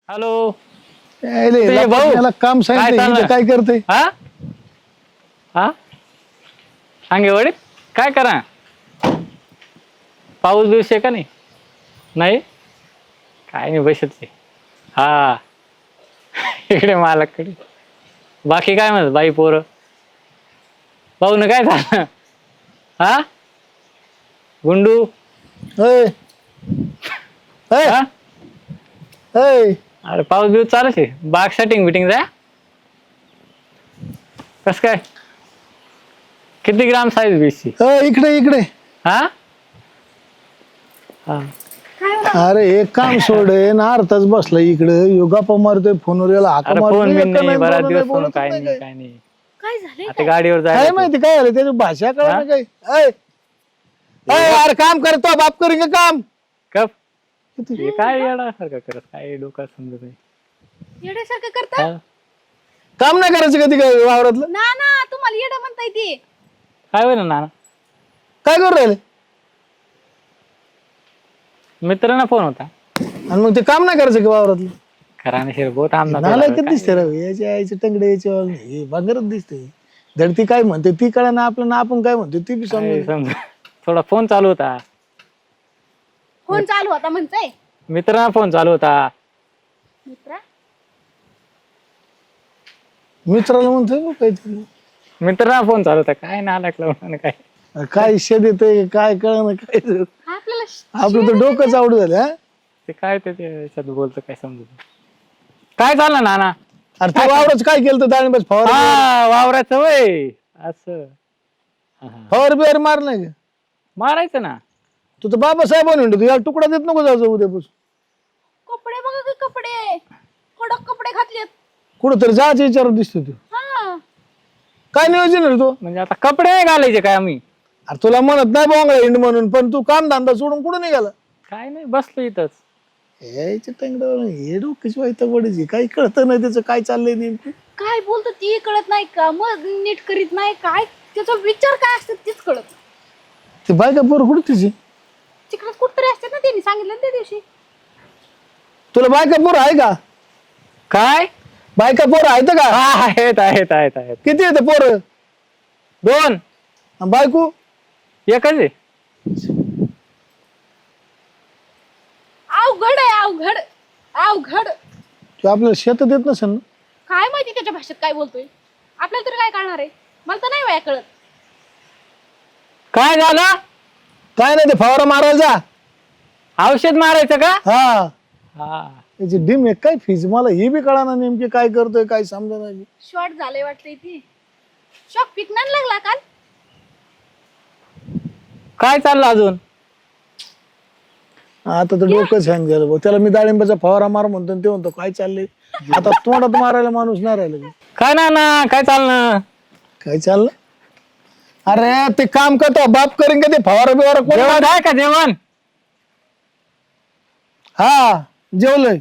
Hello भाऊ याला काम सांगितलं काय करते हा हा सांगे वडील काय करा पाऊस बिऊस आहे का नाही नाही काय नाही बसत हा इकडे मालकडे बाकी काय म्हणत बाई पोरं पाहू ना काय झालं हा गुंडू हा अरे पाऊस बिऊस चालूच आहे बाग सेटिंग बिटिंग जा कस काय किती ग्राम साईज बीसची इकडे इकडे हा हा अरे एक काम सोड ना अर्धाच बसला इकडे योगा मारतोय फोनवर याला हाका अरे फोन मारतोय बिन एका नाही बराच दिवस फोन बोलतच काय नाही नाही काय. काय नाही काय झालंय आता गाडीवर काय जायला माहिती काय झालं त्याची भाषा कळत हा? नाही काय अरे काम करतो बाप करेंगे काम कप हे काय येडासारखं करत काय डोका समजत नाही येड्यासारखं करता हा? काम नाही करायचं कधी काय वावरातलं ना ना तुम्हाला येडं म्हणताय ते काय होईल ना काय करू राहिले मित्रांना फोन होता आणि मग ते काम नाही करायचं का वावरातलं खरा नाही शिर बहुत आमदार नाला किती दिसते राव याच्या आईचे टंगडे याचे बांगरच दिसते धडती काय म्हणते ती कळा ना आपलं ना आपण काय म्हणतो ती बी समजून समजा थोडा फोन चालू होता फोन चालू होता म्हणताय मित्रांना फोन चालू होता मित्रा मित्राला म्हणतोय बघ काहीतरी मित्रांना फोन चालू होता काय ना लागलं काय काय शेत येतंय काय कळणं काय हा आपल्याला आपलं तर डोकंच आवड झालं हा ते काय ते त्याच्यात बोलतं काय समजत नाही. काय चाललं नाना अरे तू वावरच काय केलं तर डाळिंबाच फवार हा वावराचं वय असं हा, हा. फवार बिवार मार नाही का मारायचं ना तू तर बाबासाहेब म्हणतो तू याला तुकडा देत नको जायचं उद्यापासून कपडे बघा की कपडे कडक कपडे घातलेत कुठं तरी जायचं विचारत दिसतो तू हा काय नियोजन आहे रे तू म्हणजे आता कपडे नाही घालायचे काय आम्ही अरे तुला म्हणत नाही बोंगळा हिंड म्हणून पण तू काम धंदा सोडून कुठं निघाला काय नाही बसलो इथंच यायच्या टंगड्यावर हे डोक्याची वाईट पडायची काही कळत नाही त्याचं काय चाललंय नेमकं काय बोलतो ती कळत नाही का मग नीट करीत नाही काय त्याचा विचार काय असतो तीच कळत ते बायका पोर कुठं तिची तिकडे कुठतरी असतात ना त्यांनी सांगितलं ना त्या दिवशी तुला बायका पोर आहे का काय बायका पोर आहेत का हा आहेत आहेत आहेत आहेत किती येते पोर दोन बायको एकच आहे अवघड आहे अवघड अवघड तू आपल्याला शेत देत नसेल ना काय माहिती त्याच्या भाषेत काय बोलतोय आपल्याला तरी काय कळणार आहे मला तर नाही वया कळत काय झालं काय नाही ते फवारा मारायला जा औषध मारायचं का हा हा त्याची डिम आहे काय फीज मला ही बी कळा ना नेमकी काय करतोय काय समजा नाही शॉर्ट झालंय वाटतंय ती शॉक पिकणार लागला काल काय चाललं अजून आता तर डोकंच हँग झालं भाऊ त्याला मी डाळिंबाचा फवारा मार म्हणतो आणि ते म्हणतो काय चाललंय आता तोंडात मारायला माणूस नाही राहिला काय ना काय चाललं काय चाललं अरे ते काम करतो बाप करेन का ते फवारा बिवारा कोण जेवण आहे का जेवण हा जेवलंय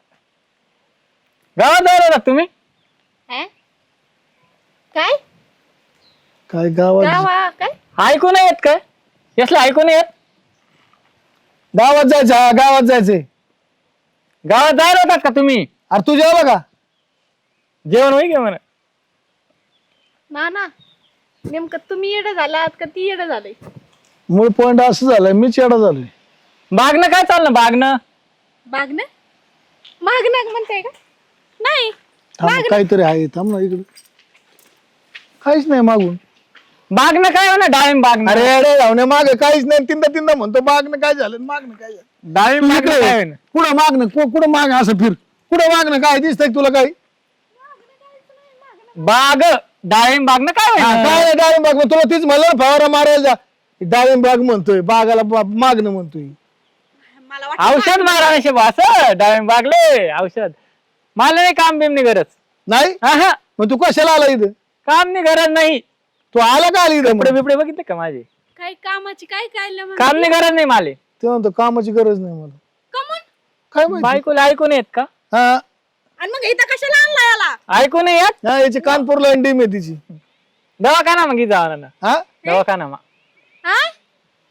गावात जायला होता तुम्ही हैं? काय काय गावात गावा काय ऐकू नाही येत काय यसलं ऐकू नाही येत गावात जायचं हा गावात जायचंय गावात जायला होतात का तुम्ही अरे तू जेवला का जेवण होई घे म्हणा ना ना नेमकं तुम्ही येडं झालात का ती येडं झालंय मूळ पॉइंट असं झालंय मीच येडा झालोय बागनं काय चाललं बागनं मागणं मागणं म्हणताय का नाही थांब काहीतरी आहे थांब ना इकडे काहीच नाही मागून बागनं काय म्हणा डाळिंब बागनं अरे अरे धावणे माग काहीच नाही तीनदा तीनदा म्हणतो मागणं काय झालं मागणं काय झालं डाळिंब बागनं काय होईना? कुठं मागणं कुठं माग असं फिर कुठं मागणं काय दिसतंय तुला काही बाग डाळिंब बागनं काय हा, होईना? काय डाळिंब बाग तुला तीच म्हणलं ना फवारा मारायला जा डाळिंब बाग म्हणतोय बागाला मागणं म्हणतोय मला वाटतं औषध मारा नशे बास डाळिंब बागले औषध मला नाही काम बिम नाही गरज नाही हा हा मग तू कशाला आला इथं काम नाही गरज नाही तू आला का आली इथं कपडे मग? बिपडे बघितले का माझे काय कामाची काय काय काम नाही गरज नाही माले ते म्हणतो कामाची गरज नाही मला कमून काय माहिती बायकोला ऐकू नाही येत का हा आणि मग इथं कशाला आणला याला ऐकू नाही येत हा, याची कानपूरला डिम आहे तिची दवाखाना मागी जावा ना हा दवाखाना मा हा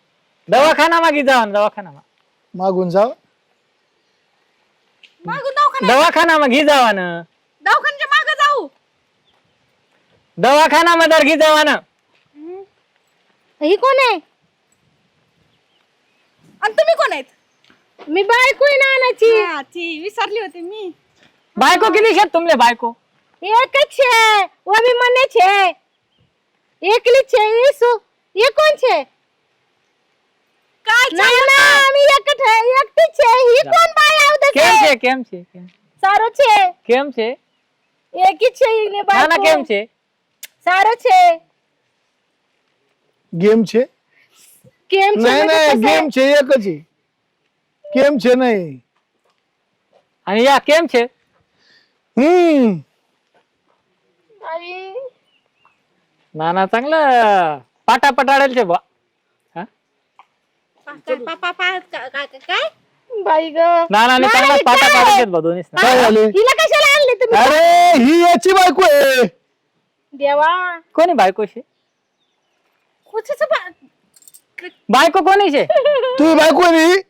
दवाखाना मागी जावा ना दवाखाना मा मागून जाव मागून दवाखाना कोण आहे? दवाखाना मग घे जावा ना, दवाखान्याच्या मागे जाऊ. दवाखाना मदार घे जावा ना. ही कोण आहे? आणि तुम्ही कोण आहेत? मी बायको आहे नानाची. हा, ती विसरली होती मी. बायको किती शेत तुमले बायको? एक छे वो भी मने छे एकली छे ईसु ये कोण छे? काय नाही ना मी एकट है एकटी छे ही कोण बाय आवत કેમ छे? છે કેમ છે કેમ सारो छे કેમ છે एक ही छे ने ના ના बायको કેમ છે सारो छे गेम छे केम छे नाही म्हणजे नाही कसं? गेम छे एकच आहे गेम छे नाही आणि या કેમ છે अरे નાના चांगलं पाटा पटाडेल છે बा. हा? काय? बाई ग नानाने नाना, चांगला हे पाटा काय? पाडायचे बा दोन्हीच ना. काय झाले हिला कशाला आणले तुम्ही? अरे ही याची बायको आहे देवा कोणी बायको शे? कुठचं बायको कोणी शे? तुझी बायको आहे नी?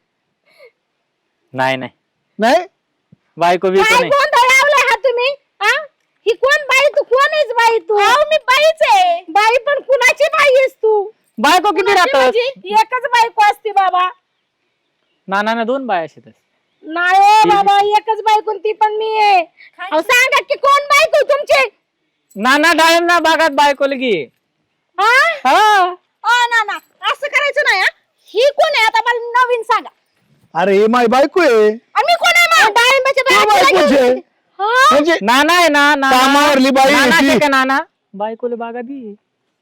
नाही नाही नाही बायको बिको काय नाही. गोंधळ लावलाय हा तुम्ही? हा? ही कोण बाई तू? कोण आहेस बाई तू? मी बाईच आहे. बाई पण कुणाची बाई आहेस तू? बायको किती राहतात? एकच बायको असते बाबा. नानाने दोन बाया शेतात. नाही हो बाबा एकच बायको ती पण मी आहे. अहो सांगा की कोण बायको तुमची? नाना डाळिंब ना बागात बायको लगी. हा? हा ना ना असं करायचं नाही. हा. ही कोण आहे आता मला नवीन सांगा. अरे हे माझी बायको आहे आणि मी कोण आहे मग? डाळिंबाच्या तू बायकोला बायकोच घेऊन- आहे हा? म्हणजे नाना आहे ना नाना. कामावरली बाई आहे नाना ती. शे का नाना बायकोले बागात दी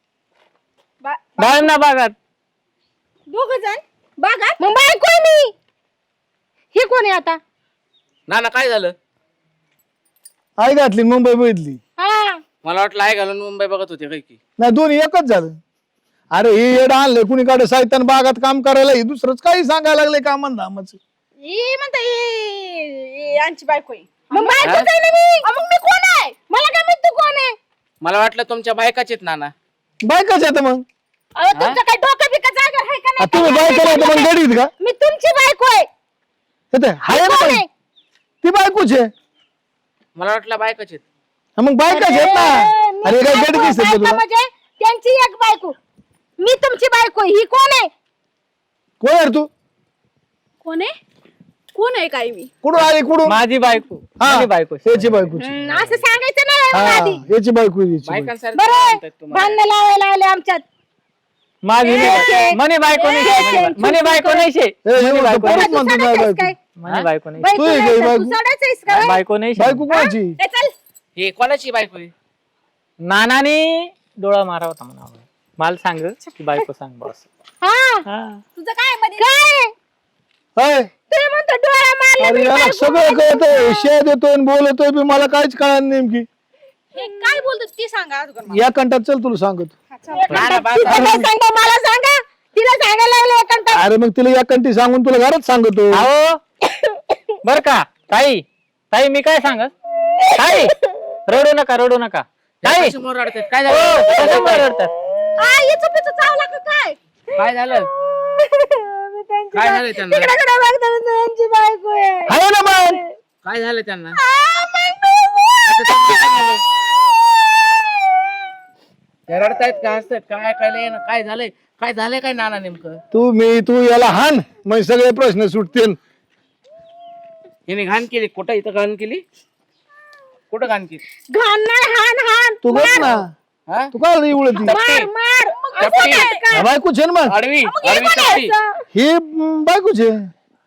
बा- डाळिंब ना बागात. दोघं जण बागात. मग बायको आहे मी. ही कोण आहे आता? ना काय झालं? आई घातली मुंबई बघितली हा मला वाटलं आहे घालून मुंबई बघत होते काय की. नाही दोन्ही एकच झालं अरे हे येड आणलंय कुणीकडे साहित्यान बागात काम करायला हे दुसरंच काही सांगायला लागले कामन धामाचं ही म्हणता यांची बायको आहे. मग बायकोच आहे ना मी. मग मी कोण आहे? मला काय माहित तू कोण आहे? मला वाटलं तुमच्या बायकाच आहेत नाना. बायकाच येतं मग अहो तुमचं काय डोकं बिकं जागर आहे का आ, नाही? तुम्ही बायका येतं मग गडीत का मी तुमची बायको आहे. येते हाय ना कोण मग. आहे? ती बायकोच आहे मला वाटलं बायकाच आहेत. हा, मग बायकाच येत ना मी अरे काय बायको, गडी दिसत बायका तुला म्हणजे त्यांची एक बायको. मी तुमची बायको आहे. ही कोण आहे? कोण आहे रे तू कोण आहे? कोण आहे काय मी? कुठून आली कुठून माझी बायको हा माझी बायको शे. याची बायकोची असं सांगायचं नाही मला हा आधी. याची बायको आहे, याची बायको. बायकांसारखं बरं म्हणतात तुम्हाला. भांडणं लावायला आले आमच्यात. माझी ए, मनी बायको नाही शे. मनी बायको नाही शे. ए, हे मनी म्हणतो, बायको परत नाही. म्हणतो तू माझी सडायचं बायको काय? मनी बायको नाही. बायको तू आहे नाही काय तर बायको? तू सडायचंयस का बाई? बायको नाही शे. बायको कोणाची ए, चल. हे कोणाची बायको आहे? नानाने डोळा मारा होता म्हणा. मला सांग की बायको सांग बॉस. हा तुझं काय मध्ये? काय हाय तुम्ही म्हणतो डोळा मारला अरे मी याला बायको सगळं कळतंय शेत देतोय आणि बोलतोय बी मला काहीच कळणार नेमकी हे काय बोलतो ती सांगा अगोदर मला. या कंटात चल तुला सांगतो नाना बाय तिला काय सांगा मला सांगा. तिला सांगायला लागलं एकांतात. अरे मग तिला या कंटी सांगून तुला घरात सांगतो अहो बर का ताई ताई मी काय सांगत ताई रडू नका रडू नका ताई. समोर रडतात. काय हो, झालं? कशामुळे रडतात? काय याचं पिचं चावला का काय? काय झालं? मी त्यांची काय बाय- झालं त्यांना? तिकडे कडे बघतो मी त्यांची बायको आहे. आहे ना मग काय झालं त्यांना? हा, मग मी- ते रडतायत का हसतात काय काय ना काय झालंय काय झालंय काय नाना नेमकं? तू याला हान मग सगळे प्रश्न सुटतील हिने घाण केली. कुठं इथं घाण केली? कुठं घाण केली? घाण नाही हान हान. तू बस ना हा? तू काय उळती मार मार. चपटी. बायकोच आहे ना मग आडवी आडवी चपटी. ही बायकोच आहे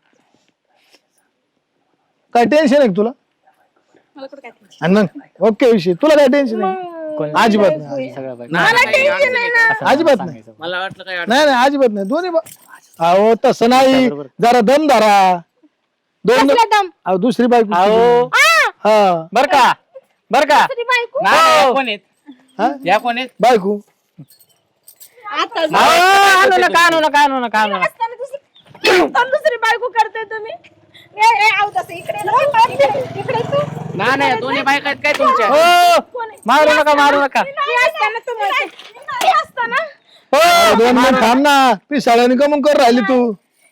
काय टेन्शन आहे का तुला मला कुठं काय टेन्शन? आणि मग ओके विषय तुला काय टेन्शन आहे कोण- अजिबात नाही सगळं बायको. नाना काही अडचण आहे का? असं अजिबात नाही. सांगायचं. मला वाटलं काय अडचण. नाही नाही अजिबात नाही दोन्ही अहो तसं नाही जरा दम धरा दोन कसला दम? अहो दुसरी बायको अहो हा बर का बर का दुसरी बायको. नाना या कोण आहेत? हा? या कोण आहेत? बायको आता अहो, आणू नका आणू नका आणू नका आणू नका. असताना दुसरी बायको करते तुम्ही. ए, ए, आऊ तसं इकडे ये. इकडे तू. नाना या दोन्ही बायका आहेत काय तुमच्या? हो मारू नका मारू नका. मी असताना तू म्हणते. मी असताना हो दोन मिनिट थांब ना पिसाळ्याने कमून कर राहिली तू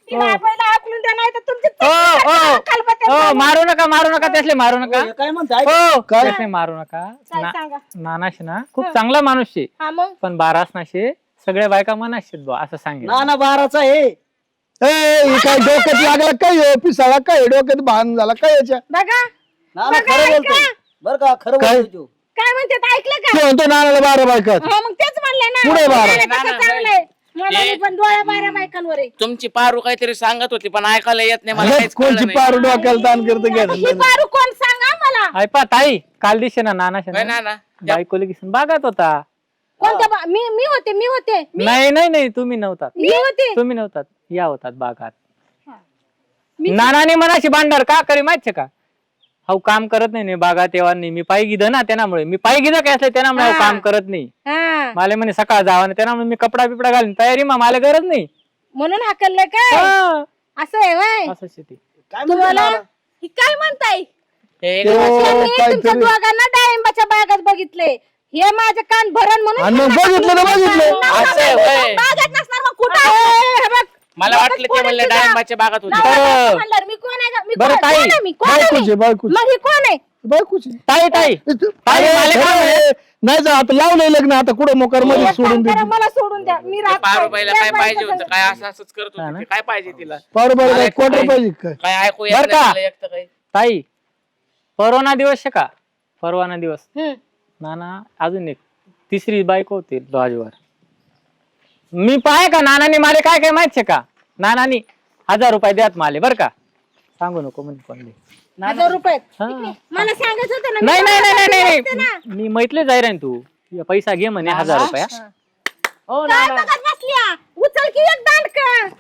तिला पहिला आकलून द्या नाही तर तुमची मारू नका त्यासले मारू नका काय म्हणताय हो काय? त्यासले मारू नका काय सांगा नानाशे ना खूप चांगला माणूस शे हा मग पण बारासनाशे सगळ्या बायका मनाशेत बुवा असं सांगेल ना 12चा आहे हे काय डोक्यात लागला काय पिसाळा काय डोक्यात भान झाला काय याच्या बघा नाना बघा, खरं ऐका. बोलतोय बर का खरं काय? बोलतोय तू. काय म्हणते ऐकलं का तो म्हणतो नानाला 12 बायकात हो मग तेच म्हणले ना पुढे बारा. नाही, नाही, तसं चांगलंय मला पण डोळ्या बाऱ्या बायकांवर आहे. तुमची पारू काहीतरी सांगत होती पण ऐकायला येत नाही मला हेच काहीच कळलं कोणची नाही. पार डोक्याला ताण करत आता ही पारू कोण सांगा मला ऐपा ताई काल दिसे ना नानाशे काय ना नाना बायकोली किसन बागात होता कोणत्या मी होते नाही तुम्ही नव्हतात मी होते तुम्ही नव्हतात या होतात बागात नानाने मनाशी भांडार का करे माहितीये का हो काम करत नाही बागात तेव्हा नाही मी पायी गिद ना त्यामुळे मी पायी गिद काय असलं त्यामुळे हा. काम करत नाही हा मला म्हणे सकाळ जावा ना त्यामुळे मी कपडा बिपडा घालून तयारी मला गरज नाही म्हणून हाकललं काय हा. असं आहे वय असं शेती काय तुम्हाला म्हणतो ही काय म्हणताय हे तो मी तुमच्या काहीतरी दोघांना डाळिंबाच्या बागात बघितले हे माझे कान भरण म्हणून आणि मग बघितलं ना बघितलं असं आहे होय. बागात नसणार मग कुठं हे बघ, मला वाटलं ते म्हणले डाळिंबाच्या बागात होते नवरा बरं. बायको म्हणल्यावर मी कोण आहे का? मी बरं, कोण ताई. आहे मी? कोण आहे बायकोची मी? बायकोची मग ही कोण आहे बायकोची ताई ताई अरे, मला काय खरं आहे. नाही जा आता लावलंय लग्न आता कुठं मोकार मध्ये एक सोडून काम करा, दे मला सोडून द्या मी राहत नाही. पारूबाईला काय त्या पाहिजे बायकोचं- होतं काय असं असंच करत हा होते ना? ते. काय पाहिजे तिला पार बार मला क्वार्टर काय- पाहिजे काय काय ऐकू येत बरं का? नाही मला एकटं काही ताई परवाना दिवस शे का परवाना दिवस हम्म. नाना अजून एक तिसरी बायको होती लॉजवर मी पाय का नानाने माले काय माहित का नानानी 1000 रुपये द्यात माले बर का सांगू नको म्हणे कोणले 1000 रुपये हा. मला सांगायचं होतं ना मी नाही नाही तुम्हाला नाही सांगितलं नाही असतं ना. मी मैतले जाय रे तू या पैसा घे म्हणे 1000 रुपया हो काय नाना बघत बसल्या उचल की एक दांडक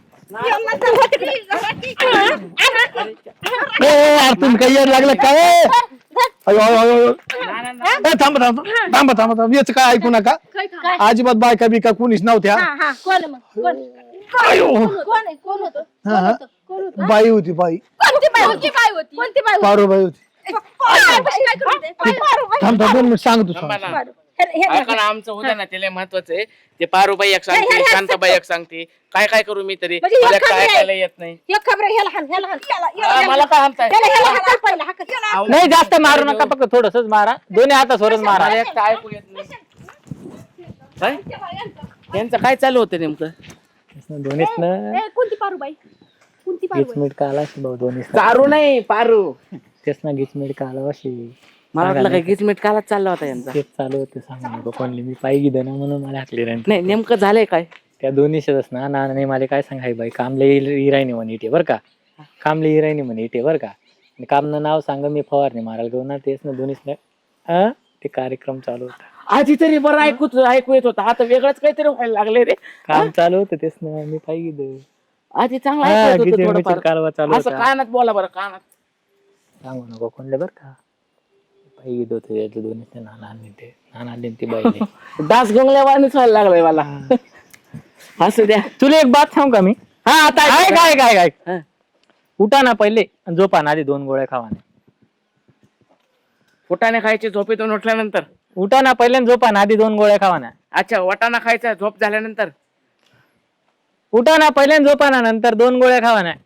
तुम्ही काही यायला लागलं काय अयो, अयो, अयो, अयो. थांबा थांबा याच काय ऐकू नका अजिबात बायका बिका कुणीच नव्हत्या कोण मग कोण अयो. कोण आहे कोण होतं हा, हा. कोण होतं बाई होती बाई कोणती बाई होती कोणती बाई होती पारो बाई होती काय करते थांब 2 मिनिट सांगतो थांबा सांग ना. ऐका ना आमचं होतं ना त्याला महत्वाचं आहे ते पारूबाई एक सांगते शांताबाई एक सांगते काय करू मी तरी म्हणजे मला एक काय खबरी आहे. ऐकायला येत नाही एक खबर आहे, ह्याला हाण हा, मला काय म्हणताय ह्याला हाकल पहिला हाकल नाही जास्त मारू नका फक्त थोडसच मारा दोन्ही हातासवरच मारा मला एकटं ऐकू येत नाही काय यांचं काय चालू होतं नेमकं दोन्हीच ना कोणती पारूबाई कोणती गिचमीट का आला भाऊ दोन्ही चारू नाही पारू तेच ना गिचमीट का आला अशी मला वाटलं काय गिचमीट कालाच चालला होता यांचा तेच चालू होते सांगू नको कोणली मी पायी गिद ना म्हणून मला हाकले नाही नाही नेमकं झालंय काय त्या दोन्ही शेतच ना नानाने मला काय सांगाय बाई कामले इरायने म्हणे इटे बरं का कामले इरायने म्हणे इटे बरं का आणि कामनं नाव सांग मी फवारणी मारायला घेऊन ना तेच ना दोन्हीच ना ते कार्यक्रम चालू होता आधी तरी बरं ऐकू येत होता आता वेगळंच काहीतरी व्हायला लागले रे काम चालू होतं तेच ना मी पायी गिद आधी चांगलं ऐकू येत होतं थोडंफार. कालवा चालू असं होता कानात बोला बरं कानात सांगू नको कोणले बरं का पायी गिद होते दोन्ही नाना आले ती बाई डास गंगल्यावानीच व्हायला लागलाय मला असू द्या तुला एक बात सांगू का मी हा आता काय काय काय हा. उठा ना पहिले आणि झोपा ना आधी 2 गोळ्या खावा ना फुटाणे खायचे झोपेतून उठल्यानंतर उठा ना पहिले आणि झोपा ना आधी 2 गोळ्या खावा ना अच्छा वटाणा खायचा झोप झाल्यानंतर उठा ना पहिले आणि झोपा ना नंतर 2 गोळ्या खावा ना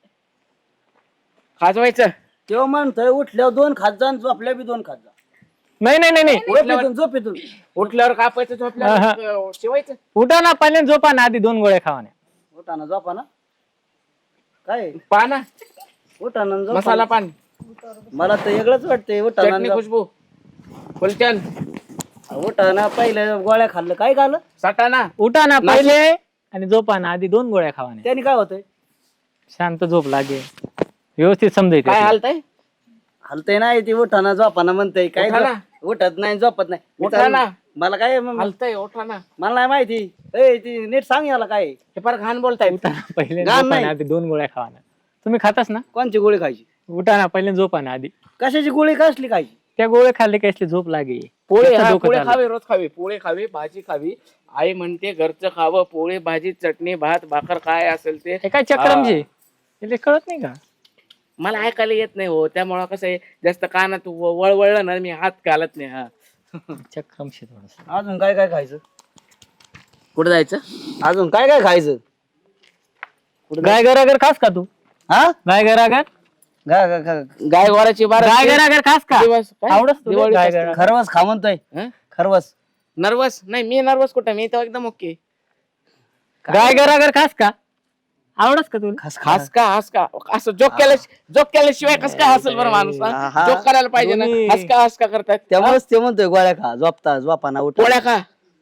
खाजवायचं तेव्हा म्हणतोय उठल्यावर 2 खात जा आणि झोपल्या बी 2 खात जा नाही नाही नाही नाही झोपेतून उठल्यावर कापायचं झोपल्यावर शिवायचं उठा ना पहिले आणि झोपा ना आधी 2 गोळ्या खावा ना उठाना झोपा ना काय पाना उठाना झोपा मसाला ना. पान मला तर वेगळंच वाटतंय उठाना चटणी खुशबू फुलचंद उठाना पहिल्या गोळ्या खाल्लं काय खाल्लं सटाणा उठा ना पहिले आणि झोपा ना आधी 2 गोळ्या खावा ना त्याने काय होतंय शांत झोप लागे व्यवस्थित समजायचं काय हालतंय हलतंय नाही ती उठाना झोपाना म्हणतंय काय उठाना. उठत नाही झोपत नाही मी उठाना. तर- मला काय हालतंय ओठाना मला नाही माहिती ए ती नीट सांग याला काय हे फार घाण बोलताय उठा ना पहिले आणि गाण झोपा नाही. ना आधी 2 गोळ्या खावा ना तुम्ही खातास ना कोणची गोळी खायची उठा ना पहिले आणि झोपा ना आधी कशाची गोळी कसली खायची त्या गोळ्या खाल्ले की असली झोप लागे पोळे जास्त हा, डोकं पोळे चाललं. खावे रोज खावे पोळे खावे भाजी खावी आई म्हणते घरचं खावं पोळे भाजी चटणी भात भाकर काय असेल ते हे काय चक्रमजी हे कळत नाही का मला ऐकायला येत नाही हो त्यामुळं कसं आहे जास्त कानात वळवळलं ना मी हात घालत नाही हा चक्रमशी थोडस अजून काय काय खायचं कुठं जायचं अजून काय काय खायचं गाय गरागर खास का तू हा गाय गरागर गाय गोराची बारा गाय गरागर खास का दिवस काय? आवडत तुला दिवाळीत गाय असते. गरागर? खरवस खा म्हणतोय हं? खरवस नर्वस नाही मी नर्वस कुठं मी तर एकदम ओके. गाय गरागर खास का आवडत का तुला खास का असं जोक केल्याशिवाय कस काय हसल बरं माणूस हा. जोक करायला पाहिजे ना. दोन्ही. हस का करतात त्यामुळेच ते म्हणतोय गोळ्या खा झोपाना उठ पोळ्या का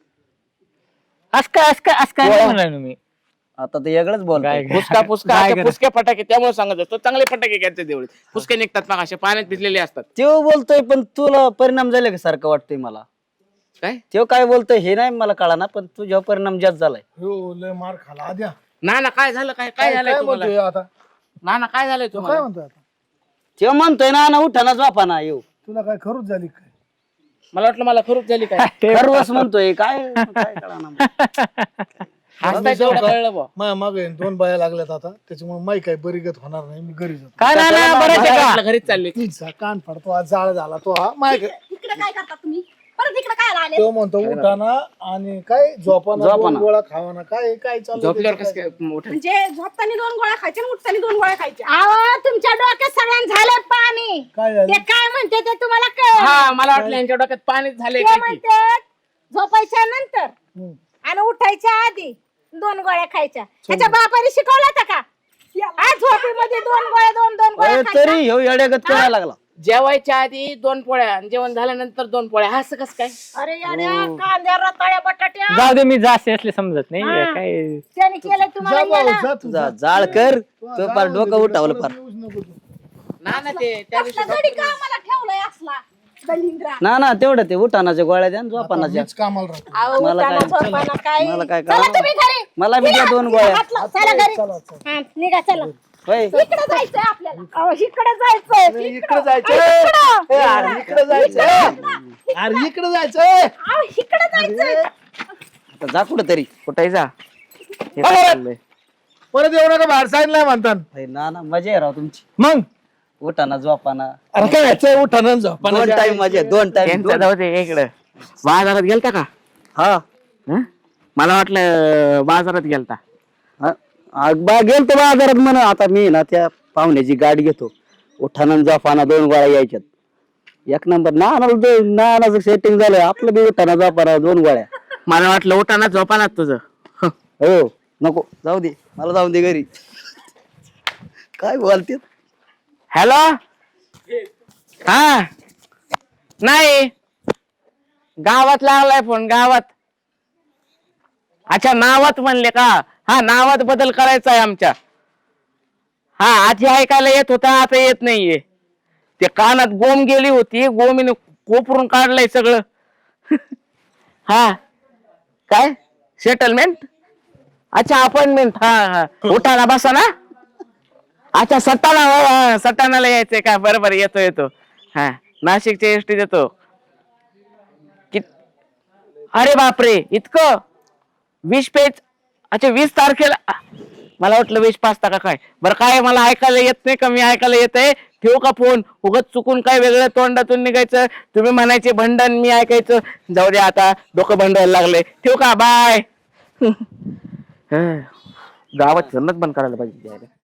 असका नाही म्हणलं मी आता ते वेगळंच बोलतोय फुसका गाय आता गरा. फुसके फटाके त्यामुळे सांगत असतो चांगले फटाके घ्यायचे तेवढे फुसके निघतात मग असे पाण्यात भिजलेले असतात. तेव्हा बोलतोय पण तुला परिणाम झाले का सारखं वाटतंय मला काय तेव्हा काय बोलतोय हे नाही मला कळा ना पण तुझ्यावर परिणाम जास्त झालाय हो लय मार खाला आद्या ना काय झालं काय झालंय काय तुम्हाला म्हणतोय आता ना काय झालंय काय तुम्हाला म्हणतोय आता तेव्हा म्हणतोय ना उठाना झोपाना येऊ तुला काय खरूच झाली काय मला वाटलं मला खरूप झाली काय खरवस म्हणतोय काय काय कळाना हसताय तेवढं कळलं बुवा. माझ्या मागे 2 बाया लागल्यात आता त्याच्यामुळे माई काय बरीगत होणार नाही मी घरी जातो काय नाही ना बरं मला आहे का वाटलं घरीच चालले तिचा कान फाडतो आज जाळ झाला तो हा माय इकडे काय करता तुम्ही परत इकडे काय आले तो म्हणतो उठाना आणि काय झोपाना झोपाना. 2 गोळा खावाना काय काय चालू झोपल्यावर कसं काय उठायचं? म्हणजे झोपताना 2 गोळ्या खायच्या आणि उठताना 2 गोळ्या खायच्या. अहो तुमच्या डोक्यात सगळ्यांना झालं पाणी काय झालं ते काय म्हणते ते तुम्हाला कळ हा मला वाटलं यांच्या डोक्यात पाणीच झालंय ते काय की. म्हणते झोपायच्या नंतर आणि उठायच्या आधी 2 गोळ्या खायच्या ह्याच्या बापाने शिकवलं होतं का आज झोपेमध्ये 2 गोळ्या 2 गोळ्या खायच्या. तरी ह्यो येड्यागत करायला लागला जेवायच्या आधी 2 पोळ्या आणि जेवण झाल्यानंतर 2 पोळ्या हा असं कसं काय अरे याड्या कांद्या रताळ्या बटाट्या जाऊ दे मी जास्त असले समजत नाही काय त्याने केलं तुम्हाला जा भाऊ, येणं. जा तू, जा. जाळ कर तो पार डोकं उठावलं पार येऊच नको तू. ना ते त्या दिवशी कसला गडी का आम्हाला ठेवलाय असला दलिंद्रा. ना तेवढं ते उठानाच्या गोळ्या द्या झोपानाच्या मीच कामाला राहतो अहो, मला उठाना, काय- झोपाना काय मला काय चला कळलं? तुम्ही घरी मला बी द्या 2 गोळ्या हातला, चला घरी चला चला हा, निघा चला होय इकडे जायचंय आपल्याला. अहो, इकडे जायचंय इकडे जायचं अरे इकडे जायचं अरे इकडे जायचं अहो, इकडे जायचंय आता जा कुठं तरी कुठे जा परत येऊ नका बाहेर सांगितलंय म्हणतात ना मजा आहे राव तुमची मग उठाना झोपाना अरे काय यायचंय उठाना झोपाना 2 टाइम मजा 2 टाइम त्यांचं जाऊ दे इकडं बाजारात गेलता का हा हं? मला वाटलं बाजारात गेलता बा गेलतो बाजारात म्हण आता मी ना त्या पाहुण्याची गाडी घेतो उठाना झोपाना 2 गोळ्या यायच्यात 1 नंबर नानाचं सेटिंग झालं आपलं बी उठाना झोपाना 2 गोळ्या मला वाटलं उठाना झोपाना तुझं हो नको जाऊ दे मला जाऊ दे घरी काय बोलते हॅलो हा नाही गावात लागलाय फोन गावात अच्छा नावात म्हणले का हा नावात बदल करायचा आहे आमच्या हा आधी ऐकायला येत होता आता येत नाहीये ते कानात गोम गेली होती गोमीने कोपरून काढलंय सगळं हा काय सेटलमेंट अच्छा अपॉइंटमेंट हा उठाना बसा ना अच्छा सटाणाला यायचंय का बरोबर येतो हा नाशिकच्या एसटी देतो अरे बापरे इतकं 20 पेज अच्छा 20 तारखेला मला वाटलं 20 पाचता का काय बरं काय मला ऐकायला येत नाही का मी ऐकायला येतंय ठेवू का फोन उगत चुकून काय वेगळं तोंडातून निघायचं तुम्ही म्हणायचे भंडण मी ऐकायचं जाऊ दे आता डोकं भंडायला लागले ठेवू का बाय गावात फिरणंच बंद करायला पाहिजे